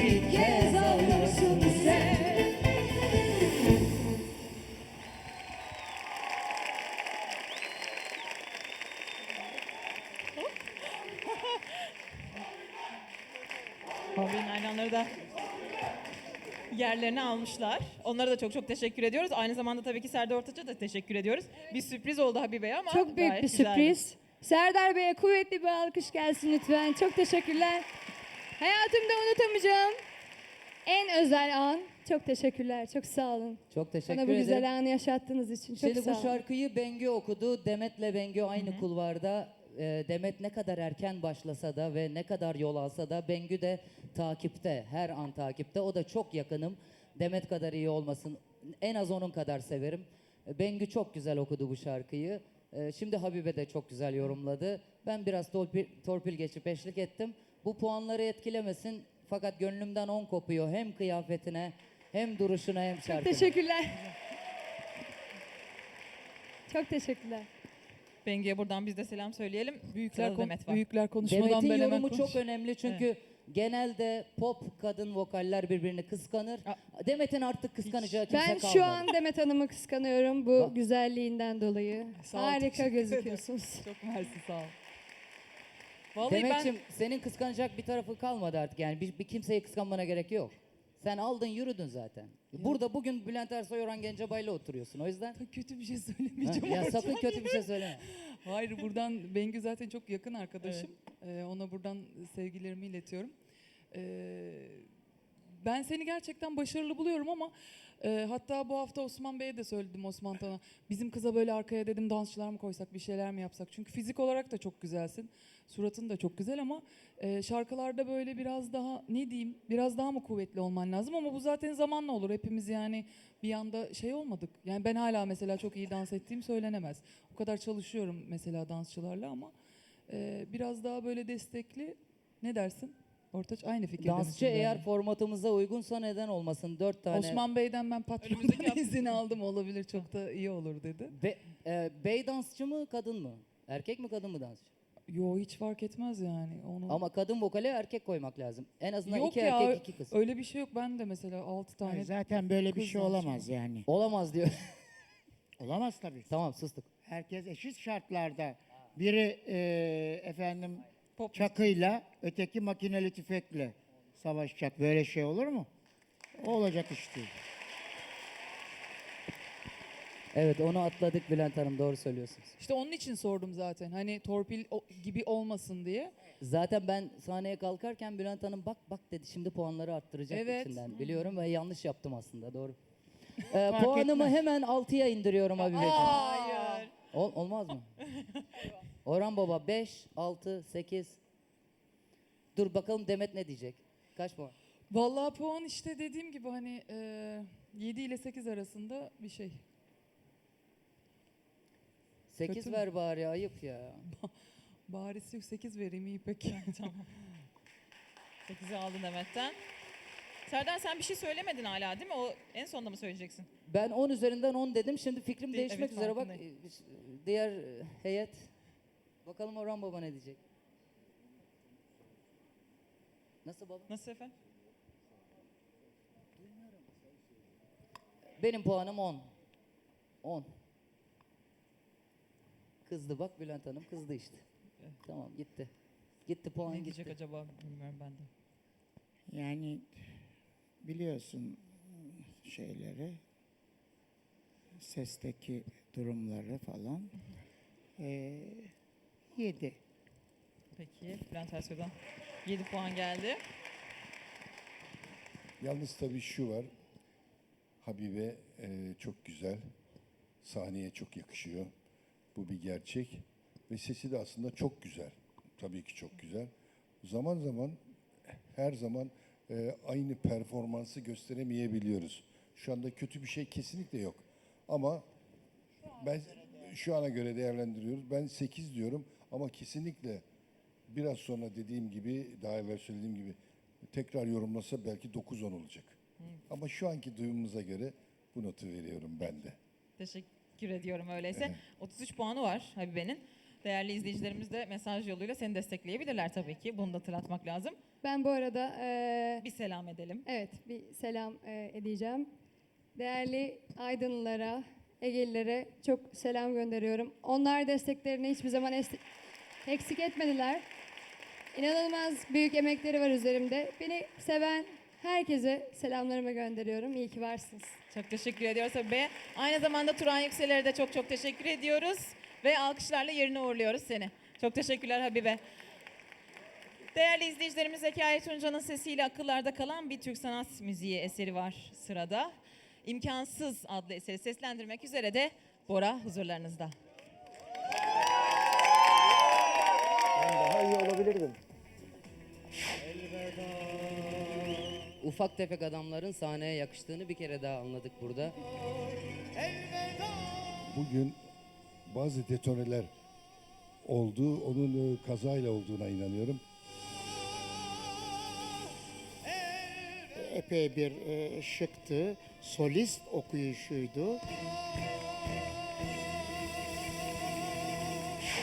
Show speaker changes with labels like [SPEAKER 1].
[SPEAKER 1] bir kez olursun sen.
[SPEAKER 2] Habibe'nin hayranları da yerlerini almışlar. Onlara da çok çok teşekkür ediyoruz. Aynı zamanda tabii ki Serdar Ortaç'a da teşekkür ediyoruz. Bir sürpriz oldu Habibe'ye ama
[SPEAKER 1] Çok büyük
[SPEAKER 2] gayet
[SPEAKER 1] bir
[SPEAKER 2] güzeldi.
[SPEAKER 1] sürpriz. Serdar Bey'e kuvvetli bir alkış gelsin lütfen. Çok teşekkürler. Hayatımda unutamayacağım en özel an. Çok teşekkürler. Çok sağ olun.
[SPEAKER 3] Çok teşekkür
[SPEAKER 1] Bana bu
[SPEAKER 3] ederim.
[SPEAKER 1] güzel anı yaşattığınız için çok
[SPEAKER 3] Şimdi
[SPEAKER 1] sağ
[SPEAKER 3] bu
[SPEAKER 1] olun.
[SPEAKER 3] şarkıyı Bengü okudu. Demet'le Bengü aynı kulvarda. Demet ne kadar erken başlasa da ve ne kadar yol alsa da Bengü de takipte. Her an takipte. O da çok yakınım. Demet kadar iyi olmasın. En az onun kadar severim. Bengü çok güzel okudu bu şarkıyı. Şimdi Habibe de çok güzel yorumladı. Ben biraz torpil geçip eşlik ettim. Bu puanları etkilemesin. Fakat gönlümden 10 kopuyor. Hem kıyafetine hem duruşuna hem şarkına.
[SPEAKER 1] Teşekkürler. Çok teşekkürler.
[SPEAKER 2] Bengü'ye buradan biz de selam söyleyelim. Sırada Demet var.
[SPEAKER 4] Büyükler konuşmadan
[SPEAKER 3] Demet'in
[SPEAKER 4] ben hemen
[SPEAKER 3] yorumu
[SPEAKER 4] konuşayım.
[SPEAKER 3] çok önemli çünkü genelde pop kadın vokaller birbirini kıskanır. Demet'in artık kıskanacağı kimse
[SPEAKER 1] Ben
[SPEAKER 3] kalmadı.
[SPEAKER 1] şu an Demet Hanım'ı kıskanıyorum bu
[SPEAKER 3] Bak.
[SPEAKER 1] güzelliğinden dolayı.
[SPEAKER 4] Sağ ol,
[SPEAKER 1] Harika
[SPEAKER 4] teşekkür
[SPEAKER 1] gözüküyorsunuz.
[SPEAKER 4] Çok mersi, sağ ol. Vallahi
[SPEAKER 3] Demet'ciğim senin kıskanacak bir tarafı kalmadı artık yani bir kimseyi kıskanmana gerek yok. Sen aldın yürüdün zaten. Burada bugün Bülent Ersoy, Orhan Gencebay'la oturuyorsun o yüzden.
[SPEAKER 4] ben kötü bir şey
[SPEAKER 3] Ha,
[SPEAKER 4] söylemeyeceğim.
[SPEAKER 3] ya sakın kötü bir şey söyleme.
[SPEAKER 4] Hayır, buradan Bengü zaten çok yakın arkadaşım. Ona buradan sevgilerimi iletiyorum. Ben seni gerçekten başarılı buluyorum ama hatta bu hafta Osman Bey'e de söyledim, Osman Tan'a. Bizim kıza böyle arkaya dedim dansçılar mı koysak, bir şeyler mi yapsak? Çünkü fizik olarak da çok güzelsin. Suratın da çok güzel ama şarkılarda böyle biraz daha ne diyeyim, biraz daha mı kuvvetli olman lazım ama bu zaten zamanla olur. Hepimiz yani bir anda şey olmadık. Yani ben hala mesela çok iyi dans ettiğim söylenemez. O kadar çalışıyorum mesela dansçılarla ama biraz daha böyle destekli. Ne dersin? Ortaç aynı fikirde
[SPEAKER 3] Dansçı
[SPEAKER 4] misin
[SPEAKER 3] eğer
[SPEAKER 4] benimle?
[SPEAKER 3] formatımıza uygunsa neden olmasın? 4 tane.
[SPEAKER 4] Osman Bey'den ben patronumdan izin aldım, olabilir, çok da iyi olur dedi.
[SPEAKER 3] Bey dansçı mı kadın mı? Erkek mi kadın mı dansçı?
[SPEAKER 4] Yo, hiç fark etmez yani. Onu...
[SPEAKER 3] Ama kadın vokale erkek koymak lazım. En azından
[SPEAKER 4] Yok
[SPEAKER 3] iki
[SPEAKER 4] ya,
[SPEAKER 3] erkek 2 kız.
[SPEAKER 4] öyle bir şey yok. Ben de mesela 6 tane.
[SPEAKER 5] Hayır, zaten böyle bir
[SPEAKER 4] kız
[SPEAKER 5] şey
[SPEAKER 4] dansçı
[SPEAKER 5] olamaz yani.
[SPEAKER 3] Olamaz diyor.
[SPEAKER 5] Olamaz tabii.
[SPEAKER 3] Tamam sustuk.
[SPEAKER 5] Herkes eşit şartlarda. Biri efendim
[SPEAKER 2] Pop
[SPEAKER 5] çakıyla, öteki makineli tüfekle savaşacak. Böyle şey olur mu? O olacak iş değil.
[SPEAKER 3] Evet onu atladık Bülent Hanım doğru söylüyorsunuz.
[SPEAKER 4] İşte onun için sordum zaten. Hani torpil gibi olmasın diye.
[SPEAKER 3] Zaten ben sahneye kalkarken Bülent Hanım bak bak dedi şimdi puanları arttıracak
[SPEAKER 4] Evet.
[SPEAKER 3] içinden. Biliyorum ve yanlış yaptım aslında doğru.
[SPEAKER 5] Fark
[SPEAKER 3] Puanımı
[SPEAKER 5] etmez.
[SPEAKER 3] hemen 6'ya indiriyorum Habibeciğim.
[SPEAKER 2] Hayır.
[SPEAKER 3] Olmaz mı? Orhan Baba 5, 6, 8. Dur bakalım Demet ne diyecek? Kaç puan?
[SPEAKER 4] Vallahi puan işte dediğim gibi hani 7 ile 8 arasında bir şey.
[SPEAKER 3] 8
[SPEAKER 4] Kötü
[SPEAKER 3] ver bari ayıp ya.
[SPEAKER 4] Bari 8 vereyim, iyi peki.
[SPEAKER 2] Tamam. 8'i aldın Demet'ten. Serdar sen bir şey söylemedin hala değil mi? O en sonunda mı söyleyeceksin?
[SPEAKER 3] Ben 10 üzerinden 10 dedim. Şimdi fikrim değişmek
[SPEAKER 2] evet,
[SPEAKER 3] üzere bak.
[SPEAKER 2] farkındayım.
[SPEAKER 3] Diğer heyet. Bakalım Orhan Baba ne diyecek? Nasıl baba?
[SPEAKER 2] Nasıl efendim?
[SPEAKER 3] Benim puanım 10. 10. Kızdı bak Bülent Hanım kızdı işte. Tamam gitti. Gitti puan
[SPEAKER 2] Ne
[SPEAKER 3] gitti.
[SPEAKER 2] diyecek acaba bilmiyorum ben de.
[SPEAKER 5] Yani biliyorsun şeyleri, sesteki durumları falan. 7.
[SPEAKER 2] Peki Bülent Ersoy'dan 7 puan geldi.
[SPEAKER 6] Yalnız tabii şu var. Habibe çok güzel. Sahneye çok yakışıyor. Bu bir gerçek. Ve sesi de aslında çok güzel. Tabii ki çok güzel. Zaman zaman her zaman aynı performansı gösteremeyebiliyoruz. Şu anda kötü bir şey kesinlikle yok. Ama ben şu ana göre değerlendiriyoruz. Ben 8 diyorum ama kesinlikle biraz sonra dediğim gibi, daha evvel söylediğim gibi tekrar yorumlasa belki 9-10 olacak. Ama şu anki duyumumuza göre bu notu veriyorum ben de.
[SPEAKER 2] Teşekkür ediyorum öyleyse. 33 puanı var Habibe'nin. Değerli izleyicilerimiz de mesaj yoluyla seni destekleyebilirler tabii ki. Bunu da hatırlatmak lazım.
[SPEAKER 1] Ben bu arada
[SPEAKER 2] Bir selam edelim.
[SPEAKER 1] evet bir selam edeceğim. Değerli Aydınlılara, Egelilere çok selam gönderiyorum. Onlar desteklerini hiçbir zaman eksik etmediler. İnanılmaz büyük emekleri var üzerimde. Beni seven herkese selamlarımı gönderiyorum. İyi ki varsınız.
[SPEAKER 2] Çok teşekkür ediyoruz tabii. Aynı zamanda Turan Yükseler'e de çok çok teşekkür ediyoruz. Ve alkışlarla yerine uğurluyoruz seni. Çok teşekkürler Habibe. Değerli izleyicilerimiz, Zekai Tunca'nın sesiyle akıllarda kalan bir Türk sanat müziği eseri var sırada. İmkansız adlı eseri seslendirmek üzere de Bora huzurlarınızda.
[SPEAKER 7] Daha iyi olabilirdim.
[SPEAKER 3] Ufak tefek adamların sahneye yakıştığını bir kere daha anladık burada.
[SPEAKER 6] Bugün bazı detoneler oldu. Onun kazayla olduğuna inanıyorum.
[SPEAKER 5] Epey bir şıktı. Solist okuyuşuydu.